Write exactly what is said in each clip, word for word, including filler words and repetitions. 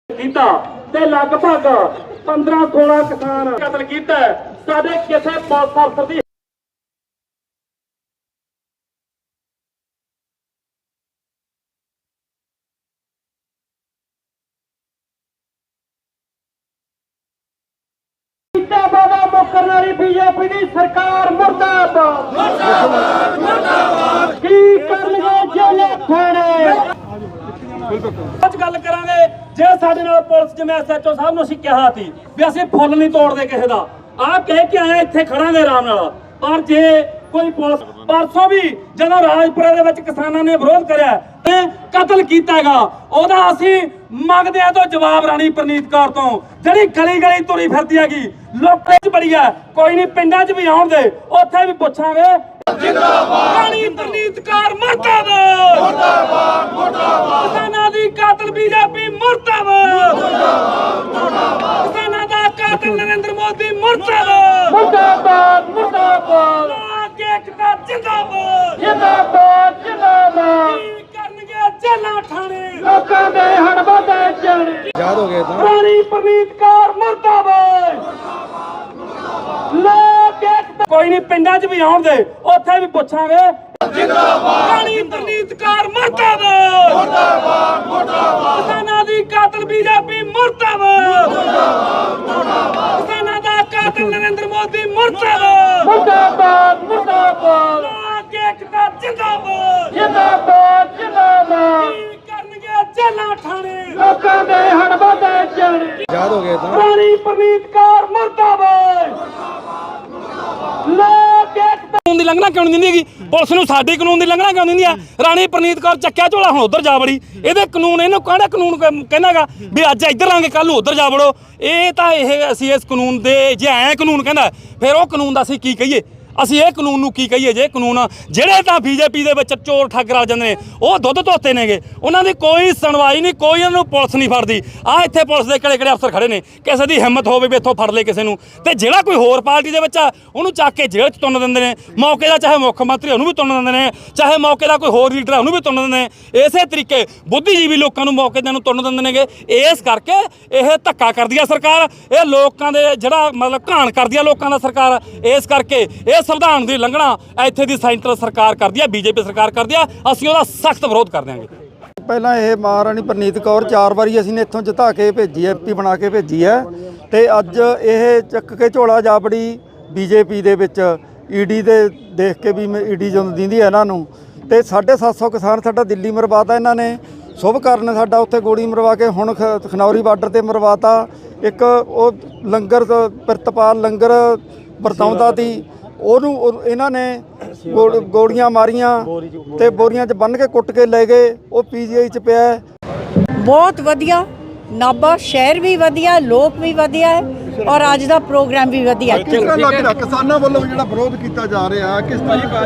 ਕੀਤਾ ਤੇ ਲਗਭਗ पंद्रह सोलह किसान कतल किया साडे किसी पुलिस अफसर की वादा मुकरने वाली बीजेपी की सरकार मुर्दाबाद की करनगे जेले थाने ਅੱਜ ਗੱਲ ਕਰਾਂਗੇ ਜੇ ਸਾਡੇ ਨਾਲ ਪੁਲਿਸ ਜਿਵੇਂ ਐਸਐਚਓ ਸਾਹਿਬ ਨੂੰ ਅਸੀਂ ਕਿਹਾ ਸੀ ਵੀ ਅਸੀਂ ਫੁੱਲ ਨਹੀਂ ਤੋੜਦੇ ਕਿਸੇ ਦਾ ਆਹ ਕਹਿ ਕੇ ਆਏ ਇੱਥੇ ਖੜਾਂਗੇ ਆਰਾਮ ਨਾਲ ਪਰ ਜੇ ਕੋਈ ਪੁਲਿਸ ਪਰਸੋਂ ਵੀ ਜਦੋਂ ਰਾਜਪੁਰਾ ਦੇ ਵਿੱਚ ਕਿਸਾਨਾਂ ਨੇ ਵਿਰੋਧ ਕਰਿਆ ਤੇ ਕਤਲ ਕੀਤਾਗਾ ਉਹਦਾ ਅਸੀਂ ਮੰਗਦੇ ਆ ਤੋਂ ਜਵਾਬ ਰਾਣੀ ਪ੍ਰਨੀਤ ਕੌਰ ਤੋਂ ਜਿਹੜੀ ਗਲੀ ਗਲੀ ਤੁਰੀ ਫਿਰਦੀ ਹੈਗੀ ਲੋਕਾਂ 'ਚ ਬੜੀ ਹੈ ਕੋਈ ਨਹੀਂ ਪਿੰਡਾਂ 'ਚ ਵੀ ਆਉਣ ਦੇ ਉੱਥੇ ਵੀ ਪੁੱਛਾਂਗੇ जिंदाबाद रानी प्रनीत कौर मुर्दाबाद मुर्दाबाद मुर्दाबाद किसानां दी कातिल बीजेपी मुर्दाबाद मुर्दाबाद मुर्दाबाद किसानां दा कातिल नरेंद्र मोदी मुर्दाबाद मुर्दाबाद मुर्दाबाद लोक एकता जिंदाबाद जिंदाबाद जिंदाबाद करनगे जेलां ठाणे लोकां दे हड़बड़े जण याद हो गए था रानी प्रनीत कौर मुर्दाबाद लोक कोई नहीं पिंडां 'च भी आउण दे उत्थे भी पुछांगे जिंदाबाद रानी प्रनीत कौर मुर्दाबाद मुर्दाबाद मुर्दाबाद किसानां दी कातिल बीजेपी मुर्दाबाद मुर्दाबाद मुर्दाबाद किसानां दा कातिल नरेंद्र मोदी मुर्दाबाद मुर्दाबाद मुर्दाबाद लोक एकता जिंदाबाद जिंदाबाद जिंदाबाद करनगे जेलां ठाणे लोकां दे हड़बड़े जण याद हो गए था रानी प्रनीत कौर मुर्दाबाद कानून की लंघना क्यों नहीं दी पुलिस नूं साडी कानून की लंघना क्यों नहीं दी राणी प्रनीत कौर चक्या झोला हुण उधर जा वड़ी इहदे कानून इहनूं कहड़ा कानून कहनागा भी अज इधर लांगे कल उधर जा वड़ो ये तां इह असीं इस कानून दे जे ऐ कानून कहंदा फिर वो कानून दा असीं की कहीए ਅਸੀਂ ਇਹ ਕਾਨੂੰਨ ਨੂੰ ਕੀ ਕਹੀਏ ਜੇ ਕਾਨੂੰਨ ਜਿਹੜੇ ਤਾਂ ਬੀਜੇਪੀ ਦੇ ਵਿੱਚ ਚੋਰ ਠੱਗ ਰਲ ਜਾਂਦੇ ਨੇ ਉਹ ਦੁੱਧ ਧੋਤੇ ਨੇਗੇ ਉਹਨਾਂ ਦੀ ਕੋਈ ਸੁਣਵਾਈ ਨਹੀਂ ਕੋਈ ਉਹਨਾਂ ਨੂੰ ਪੁਲਿਸ ਨਹੀਂ ਫੜਦੀ ਆ ਇੱਥੇ ਪੁਲਿਸ ਦੇ ਕਿਹੜੇ ਕਿਹੜੇ ਅਫਸਰ ਖੜੇ ਨੇ ਕਿਸੇ ਦੀ ਹਿੰਮਤ ਹੋਵੇ ਵੀ ਇੱਥੋਂ ਫੜ ਲੇ ਕਿਸੇ ਨੂੰ ਤੇ ਜਿਹੜਾ ਕੋਈ ਹੋਰ ਪਾਰਟੀ ਦੇ ਵਿੱਚ ਆ ਉਹਨੂੰ ਚੱਕ ਕੇ ਜੇਲ੍ਹ 'ਚ ਤੁੰਨ ਦਿੰਦੇ ਨੇ ਮੌਕੇ ਦਾ ਚਾਹੇ ਮੁੱਖ ਮੰਤਰੀ ਉਹਨੂੰ ਵੀ ਤੁੰਨ ਦਿੰਦੇ ਨੇ ਚਾਹੇ ਮੌਕੇ ਦਾ ਕੋਈ ਹੋਰ ਲੀਡਰ ਉਹਨੂੰ ਵੀ ਤੁੰਨ ਦਿੰਦੇ ਨੇ ਇਸੇ ਤਰੀਕੇ ਬੁੱਧੀਜੀਵੀ ਲੋਕਾਂ ਨੂੰ ਮੌਕੇ ਦੇ ਨੂੰ ਤੁੰਨ ਦਿੰਦੇ ਨੇਗੇ ਇਸ ਕਰਕੇ ਇਹ ਧੱਕਾ ਕਰਦੀ ਆ ਸਰਕਾਰ ਇਹ ਲੋਕਾਂ ਦੇ ਜਿਹੜਾ ਮਤਲਬ ਘਾਣ ਕਰਦੀ ਆ ਲੋਕਾਂ ਦਾ ਸਰਕਾਰ ਇਸ ਕਰਕੇ ਇਹ ਸੰਵਿਧਾਨ ਦੀ ਲੰਘਣਾ ਇੱਥੇ ਦੀ ਸੈਂਟਰਲ ਸਰਕਾਰ ਕਰਦੀ ਆ ਬੀਜੇਪੀ ਸਰਕਾਰ ਕਰਦੀ ਆ ਅਸੀਂ ਉਹਦਾ ਸਖਤ ਵਿਰੋਧ ਕਰ ਦਿਆਂਗੇ ਪਹਿਲਾਂ ਇਹ ਮਹਾਰਾਣੀ ਪ੍ਰਨੀਤ ਕੌਰ ਚਾਰ ਵਾਰੀ ਅਸੀਂ ਨੇ ਇੱਥੋਂ ਜਿਤਾ ਕੇ ਭੇਜੀ ਹੈ ਐਮਪੀ ਬਣਾ ਕੇ ਭੇਜੀ ਹੈ ਤੇ ਅੱਜ ਇਹ ਚੱਕ ਕੇ ਝੋਲਾ ਜਾਬੜੀ ਬੀਜੇਪੀ ਦੇ ਵਿੱਚ ਈਡੀ ਦੇ ਦੇਖ ਕੇ ਵੀ ਈਡੀ ਜਦੋਂ ਦਿੰਦੀ ਹੈ ਇਹਨਾਂ ਨੂੰ ਤੇ ਸਾਢੇ ਸੱਤ ਸੌ ਕਿਸਾਨ ਸਾਡਾ ਦਿੱਲੀ ਮਰਵਾਤਾ ਇਹਨਾਂ ਨੇ ਸ਼ੁਭ ਕਰਨ ਸਾਡਾ ਉੱਥੇ ਗੋਲੀ ਮਰਵਾ ਕੇ ਹੁਣ ਖਨੌਰੀ ਬਾਰਡਰ ਤੇ ਮਰਵਾਤਾ ਇੱਕ ਉਹ ਲੰਗਰ ਪ੍ਰਿਤਪਾਲ ਲੰਗਰ ਵਰਤਾਉਂਦਾ ਸੀ ਉਹਨੂੰ ਇਹਨਾਂ ਨੇ ਗੋਲੀਆਂ ਮਾਰੀਆਂ ਤੇ ਬੋਰੀਆਂ 'ਚ ਬੰਨ ਕੇ ਕੁੱਟ ਕੇ ਲੈ ਗਏ ਉਹ ਪੀਜੀਆਈ 'ਚ ਪਿਆ ਬਹੁਤ ਵਧੀਆ ਨਾਭਾ ਸ਼ਹਿਰ ਵੀ ਵਧੀਆ ਲੋਕ ਵੀ ਵਧੀਆ ਹੈ ਔਰ ਅੱਜ ਦਾ ਪ੍ਰੋਗਰਾਮ ਵੀ ਵਧੀਆ ਹੈ ਕਿਸ ਤਰ੍ਹਾਂ ਲੱਗ ਰਿਹਾ ਕਿਸਾਨਾਂ ਵੱਲੋਂ ਜਿਹੜਾ ਵਿਰੋਧ ਕੀਤਾ ਜਾ ਰਿਹਾ ਕਿਸ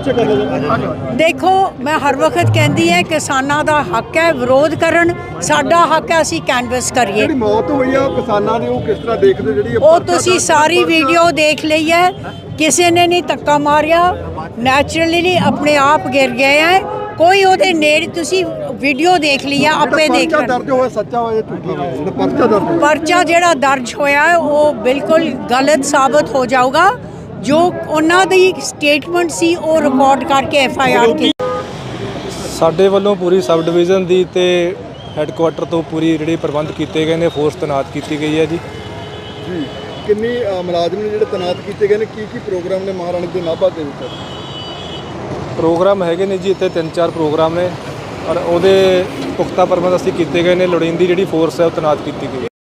ਤਰ੍ਹਾਂ ਦੇਖੋ ਮੈਂ ਹਰ ਵਕਤ ਕਹਿੰਦੀ ਹੈ ਕਿਸਾਨਾਂ ਦਾ ਹੱਕ ਹੈ ਵਿਰੋਧ ਕਰਨ ਸਾਡਾ ਹੱਕ ਹੈ ਅਸੀਂ ਕੈਨਵਸ ਕਰੀਏ ਜਿਹੜੀ ਮੌਤ ਹੋਈ ਆ ਕਿਸਾਨਾਂ ਦੀ ਉਹ ਕਿਸ ਤਰ੍ਹਾਂ ਦੇਖਦੇ ਜਿਹੜੀ ਉਹ ਤੁਸੀਂ ਸਾਰੀ ਵੀਡੀਓ ਦੇਖ ਲਈ ਹੈ ਕਿਸੇ ਨੇ ਨਹੀਂ ਧੱਕਾ ਮਾਰਿਆ ਨੈਚੁਰਲੀ ਆਪਣੇ ਆਪ ਗਿਰ ਗਏ ਹੈ ਕੋਈ ਉਹਦੇ ਨੇੜੇ ਤੁਸੀਂ ਵੀਡੀਓ ਦੇਖ ਲਈ ਆ ਆਪੇ ਦੇਖ ਪਰਚਾ ਦਰਜ ਹੋਇਆ ਸੱਚਾ ਹੋਇਆ ਝੂਠਾ ਪਰਚਾ ਦਰਜ ਪਰਚਾ ਜਿਹੜਾ ਦਰਜ ਹੋਇਆ ਹੈ ਉਹ ਬਿਲਕੁਲ ਗਲਤ ਸਾਬਤ ਹੋ ਜਾਊਗਾ ਜੋ ਉਹਨਾਂ ਦੀ ਸਟੇਟਮੈਂਟ ਸੀ ਉਹ ਰਿਕਾਰਡ ਕਰਕੇ ਐਫ ਆਈ ਆਰ ਕੀ ਸਾਡੇ ਵੱਲੋਂ ਪੂਰੀ ਸਬ ਡਿਵੀਜ਼ਨ ਦੀ ਤੇ ਹੈੱਡਕੁਆਟਰ ਤੋਂ ਪੂਰੀ ਜਿਹੜੇ ਪ੍ਰਬੰਧ ਕੀਤੇ ਗਏ ਨੇ ਫੋਰਸ ਤੈਨਾਤ ਕੀਤੀ ਗਈ ਹੈ ਜੀ ਜੀ ਕਿੰਨੀ ਮੁਲਾਜ਼ਮ ਨੇ ਜਿਹੜੇ ਤੈਨਾਤ ਕੀਤੇ ਗਏ ਨੇ ਕੀ ਕੀ ਪ੍ਰੋਗਰਾਮ ਨੇ ਮਹਾਰਾਣੀ ਦੇ ਨਾਭਾ ਦੇ ਵਿੱਚ ਪ੍ਰੋਗਰਾਮ ਹੈਗੇ ਨੇ ਜੀ ਇੱਥੇ ਤਿੰਨ ਚਾਰ ਪ੍ਰੋਗਰਾਮ ਨੇ ਔਰ ਉਹਦੇ ਪੁਖਤਾ ਪ੍ਰਬੰਧ ਅਸੀਂ ਕੀਤੇ ਗਏ ਨੇ ਲੋੜੀਂਦੀ ਜਿਹੜੀ ਫੋਰਸ ਹੈ ਉਹ ਤੈਨਾਤ ਕੀਤੀ ਗਈ